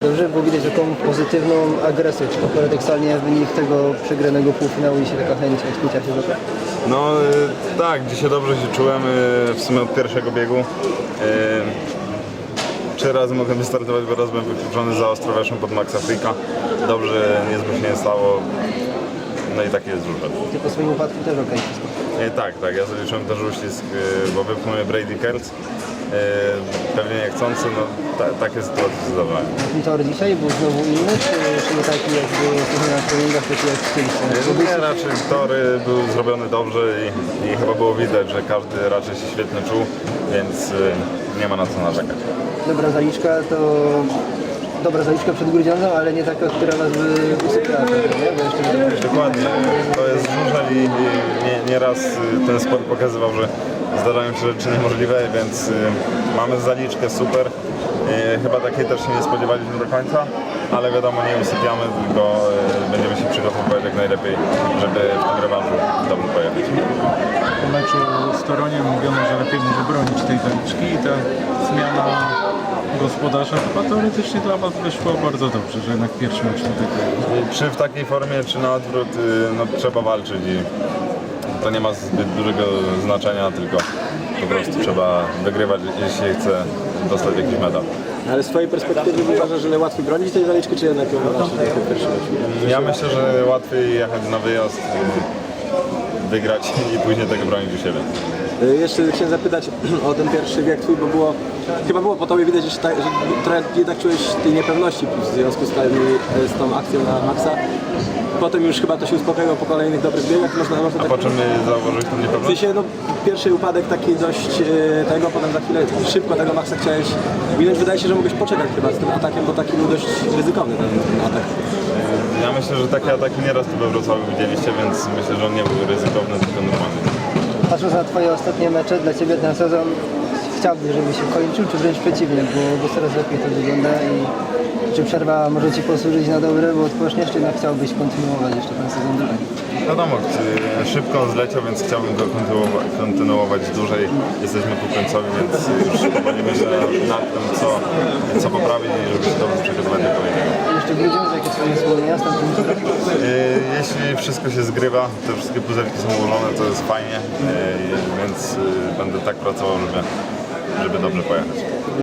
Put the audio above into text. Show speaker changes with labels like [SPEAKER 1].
[SPEAKER 1] Dobrze było widać taką pozytywną agresję, czy to paradoksalnie wynik tego przegranego półfinału i się taka chęć odkucia się za to?
[SPEAKER 2] No tak, dzisiaj dobrze się czułem w sumie od pierwszego biegu. 3 razy mogłem wystartować, bo raz byłem wykluczony za ostro weszłem pod Maxa Fricka. Dobrze, nic się nie stało. No i taki jest żużel.
[SPEAKER 1] Ty po swoim upadku też okej wszystko.
[SPEAKER 2] Tak, ja zaliczyłem też uścisk, bo wypchnął mnie Brady Kertz. Pewnie niechcący, no takie sytuacje się zdarzają.
[SPEAKER 1] Ten tor dzisiaj był znowu inny, czy nie taki jak był na treningach, taki jak w tym?
[SPEAKER 2] Nie, raczej tory był zrobiony dobrze i chyba było widać, że każdy raczej się świetnie czuł, więc nie ma na co narzekać.
[SPEAKER 1] Dobra zaliczka przed Grudziądzą, ale nie taka, która was by usypiała, nie? Bo jeszcze
[SPEAKER 2] Dokładnie, to jest żużel i nieraz ten sport pokazywał, że zdarzają się rzeczy niemożliwe, więc mamy zaliczkę super. Chyba takiej też się nie spodziewaliśmy do końca, ale wiadomo, nie usypiamy, tylko będziemy się przygotowywać jak najlepiej, żeby w tym rewanżu dobrze pojechać.
[SPEAKER 3] Po meczu z Toroniem mówiono, że lepiej może bronić tej zaliczki i ta zmiana gospodarza chyba teoretycznie dla was wyszło bardzo dobrze, że jednak pierwszy mecz tutaj.
[SPEAKER 2] Czy w takiej formie, czy na odwrót, no, trzeba walczyć i to nie ma zbyt dużego znaczenia, tylko po prostu trzeba wygrywać, jeśli chce dostać jakiś medal.
[SPEAKER 4] Ale z twojej perspektywy uważasz, że łatwiej bronić tej zaliczki, czy jednak ją walczyć w tym pierwszym meczu?
[SPEAKER 2] Ja myślę, że łatwiej jechać na wyjazd, wygrać i później tego bronić u siebie.
[SPEAKER 4] Jeszcze chciałem zapytać o ten pierwszy bieg twój, bo chyba było po tobie widać, że trochę jednak czułeś tej niepewności w związku z tą akcją na Maxa. Potem już chyba to się uspokoiło po kolejnych dobrych biegach.
[SPEAKER 2] A
[SPEAKER 4] tak
[SPEAKER 2] po czym zauważyłeś tą
[SPEAKER 4] w
[SPEAKER 2] niepewność?
[SPEAKER 4] sensie, no, pierwszy upadek taki dość tego, potem za chwilę szybko tego Maxa chciałeś minąć. Wydaje się, że mogłeś poczekać chyba z tym atakiem, bo taki był dość ryzykowny ten atak.
[SPEAKER 2] Ja myślę, że takie ataki nieraz tu we Wrocławiu widzieliście, więc myślę, że on nie był ryzykowny, tylko normalny.
[SPEAKER 1] Patrząc na twoje ostatnie mecze, dla ciebie ten sezon chciałbyś, żeby się kończył, czy wręcz przeciwnie, bo coraz lepiej to wygląda i czy przerwa może ci posłużyć na dobre, bo odpoczniesz, czy jednak chciałbyś kontynuować jeszcze ten sezon dalej?
[SPEAKER 2] Wiadomo, szybko on zleciał, więc chciałbym go kontynuować dłużej. Jesteśmy ku końcowi, więc już powoli myślę nad tym, co poprawić i żeby się dobrze przygotować do kolejnego.
[SPEAKER 1] Jeszcze Grudziądz, jakie swoje wspomnienia z tamtym turem?
[SPEAKER 2] Jeśli wszystko się zgrywa, te wszystkie puzelki są ułożone, to jest fajnie, więc będę tak pracował, żeby dobrze pojechać.